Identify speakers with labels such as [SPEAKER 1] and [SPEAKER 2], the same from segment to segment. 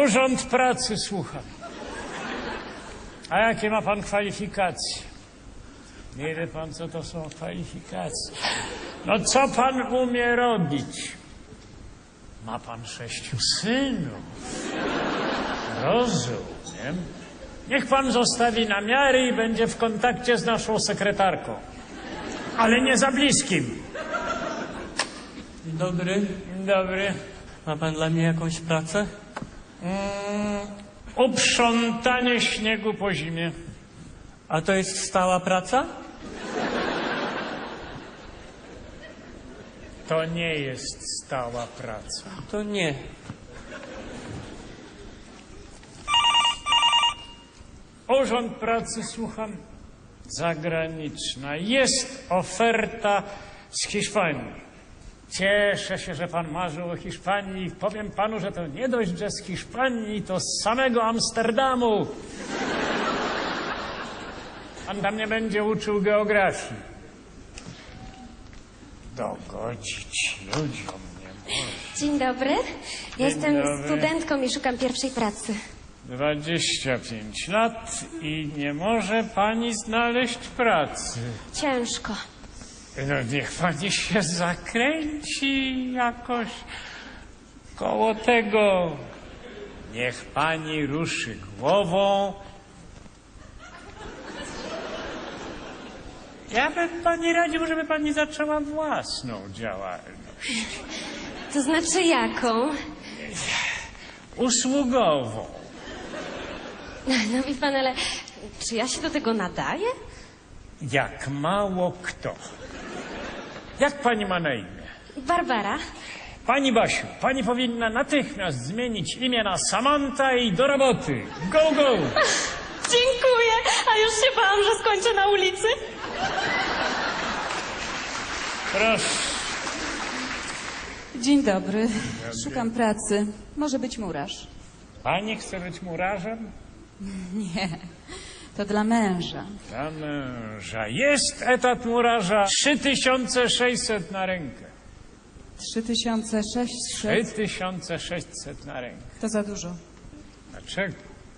[SPEAKER 1] Urząd Pracy, słucham. A jakie ma pan kwalifikacje? Nie wie pan, co to są kwalifikacje. No co pan umie robić? Ma pan 6 synów. Rozumiem. Niech pan zostawi namiary i będzie w kontakcie z naszą sekretarką. Ale nie za bliskim.
[SPEAKER 2] Dzień dobry.
[SPEAKER 1] Dzień dobry.
[SPEAKER 2] Ma pan dla mnie jakąś pracę?
[SPEAKER 1] Uprzątanie śniegu po zimie.
[SPEAKER 2] A to jest stała praca?
[SPEAKER 1] To nie jest stała praca.
[SPEAKER 2] To nie.
[SPEAKER 1] Urząd Pracy, słucham. Zagraniczna. Jest oferta z Hiszpanii. Cieszę się, że pan marzył o Hiszpanii. Powiem panu, że to nie dość, że z Hiszpanii, to z samego Amsterdamu. Pan tam nie będzie uczył geografii. Dogodzić ludziom nie może.
[SPEAKER 3] Dzień dobry. Ja
[SPEAKER 1] Dzień
[SPEAKER 3] jestem
[SPEAKER 1] dobry.
[SPEAKER 3] studentką i szukam pierwszej pracy.
[SPEAKER 1] 25 lat i nie może pani znaleźć pracy.
[SPEAKER 3] Ciężko.
[SPEAKER 1] No niech pani się zakręci jakoś koło tego. Niech pani ruszy głową. Ja bym pani radził, żeby pani zaczęła własną działalność.
[SPEAKER 3] To znaczy jaką?
[SPEAKER 1] Usługową.
[SPEAKER 3] No wie pan, ale czy ja się do tego nadaję?
[SPEAKER 1] Jak mało kto. Jak pani ma na imię?
[SPEAKER 3] Barbara.
[SPEAKER 1] Pani Basiu, pani powinna natychmiast zmienić imię na Samanta i do roboty. Go, go!
[SPEAKER 3] Dziękuję. A już się bałam, że skończę na ulicy.
[SPEAKER 1] Proszę.
[SPEAKER 4] Dzień dobry. Szukam pracy. Może być murarz.
[SPEAKER 1] Pani chce być murarzem?
[SPEAKER 4] Nie, to dla męża.
[SPEAKER 1] Dla męża. Jest etat murarza. 3600 na rękę.
[SPEAKER 4] 3600
[SPEAKER 1] 3600 na rękę.
[SPEAKER 4] to za dużo.
[SPEAKER 1] Dlaczego?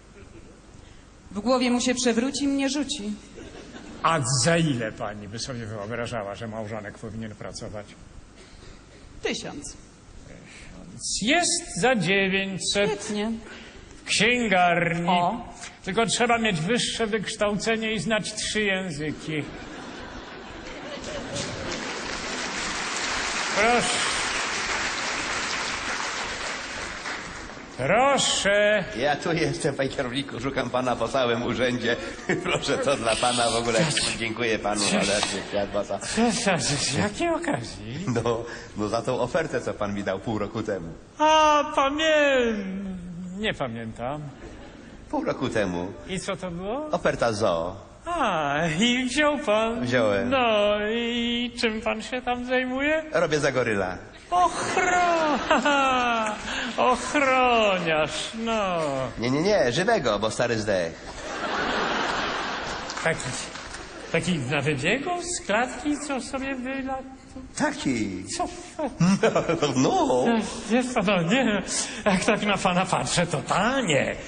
[SPEAKER 4] W głowie mu się przewróci i mnie rzuci.
[SPEAKER 1] A za ile pani by sobie wyobrażała, że małżonek powinien pracować?
[SPEAKER 4] 1000.
[SPEAKER 1] Jest za 900
[SPEAKER 4] Świetnie.
[SPEAKER 1] w księgarni.
[SPEAKER 4] O.
[SPEAKER 1] Tylko trzeba mieć wyższe wykształcenie i znać 3 języki. Proszę. Proszę.
[SPEAKER 5] Ja tu jestem, panie kierowniku, szukam pana po całym urzędzie. Proszę, to dla pana w ogóle. Dziękuję panu, ale świat wasa.
[SPEAKER 1] Z jakiej okazji?
[SPEAKER 5] No za tą ofertę, co pan mi dał pół roku temu.
[SPEAKER 1] A, nie pamiętam.
[SPEAKER 5] Pół roku temu.
[SPEAKER 1] I co to było?
[SPEAKER 5] Oferta zoo.
[SPEAKER 1] A, i wziął pan.
[SPEAKER 5] Wziąłem.
[SPEAKER 1] No i czym pan się tam zajmuje?
[SPEAKER 5] Robię za goryla.
[SPEAKER 1] Ochroniarz, no.
[SPEAKER 5] Nie, żywego, bo stary zdech.
[SPEAKER 1] Taki na wybiegu z klatki, co sobie wylatuje.
[SPEAKER 5] Taki.
[SPEAKER 1] Co?
[SPEAKER 5] No.
[SPEAKER 1] Jest pan, no nie. Jak tak na pana patrzę, to panie.